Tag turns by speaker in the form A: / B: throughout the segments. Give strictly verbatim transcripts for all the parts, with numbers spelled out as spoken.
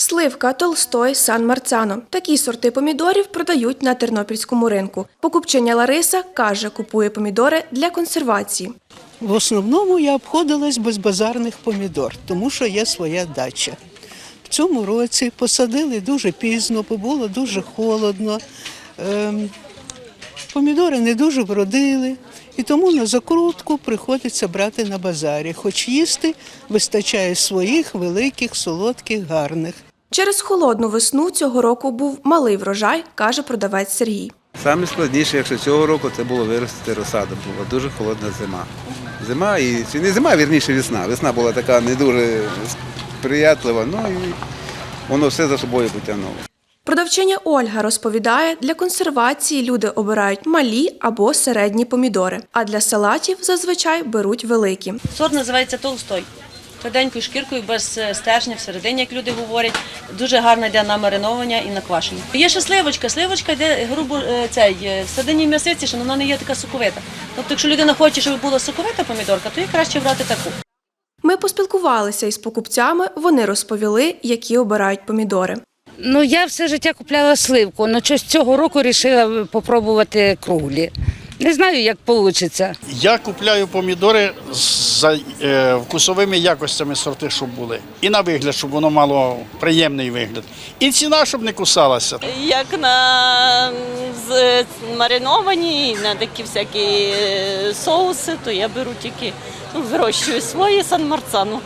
A: Сливка, Толстой, Сан Марцано. Такі сорти помідорів продають на тернопільському ринку. Покупчиня Лариса каже, купує помідори для консервації.
B: В основному я обходилась без базарних помідор, тому що є своя дача. В цьому році посадили дуже пізно, бо було дуже холодно. Ем, помідори не дуже вродили, і тому на закрутку приходиться брати на базарі, хоч їсти вистачає своїх великих, солодких, гарних.
A: Через холодну весну цього року був малий врожай, каже продавець Сергій.
C: Саме складніше, якщо цього року, це було виростити розсаду. Була дуже холодна зима. Зима і чи не зима, а вірніше весна. Весна була така не дуже сприятлива, ну і воно все за собою потягнуло.
A: Продавчиня Ольга розповідає, для консервації люди обирають малі або середні помідори, а для салатів зазвичай беруть великі.
D: Сорт називається Толстой. Тверденькою шкіркою, без стержня всередині, як люди говорять. Дуже гарна йде на мариновання і на квашення. Є ще сливочка. Сливочка йде грубо цей, всередині м'ясиці, що вона не є така соковита. Тобто, якщо людина хоче, щоб була соковита помідорка, то їй краще брати таку.
A: Ми поспілкувалися із покупцями, вони розповіли, які обирають помідори.
E: Ну, я все життя купляла сливку, але щось цього року вирішила спробувати круглі. Не знаю, як вийде.
F: Я купляю помідори за е, вкусовими якостями сорти, щоб були. І на вигляд, щоб воно мало приємний вигляд. І ціна, щоб не кусалася.
G: Як на з, мариновані, на такі всякі соуси, то я беру тільки, ну, вирощую свої Сан Марцано.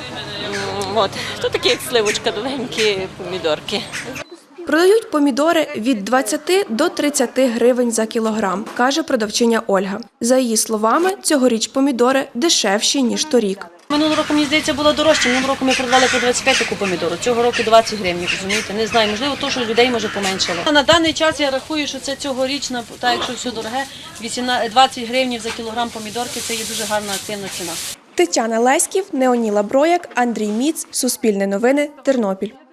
G: От. Тут такі, як сливочка, довгенькі помідорки.
A: Продають помідори від двадцяти до тридцяти гривень за кілограм, каже продавчиня Ольга. За її словами, цьогоріч помідори дешевші, ніж торік.
D: Минулого року, мені здається, було дорожче. Минулого року ми продавали по двадцять п'ять таку помідору. Цього року двадцять гривень, розумієте? Не знаю, можливо, то, що людей, може, поменшало. На даний час я рахую, що це цьогорічна, так якщо все дороге, двадцять гривень за кілограм помідорки – це є дуже гарна активна ціна.
A: Тетяна Леськів, Неоніла Брояк, Андрій Міц, Суспільне новини, Тернопіль.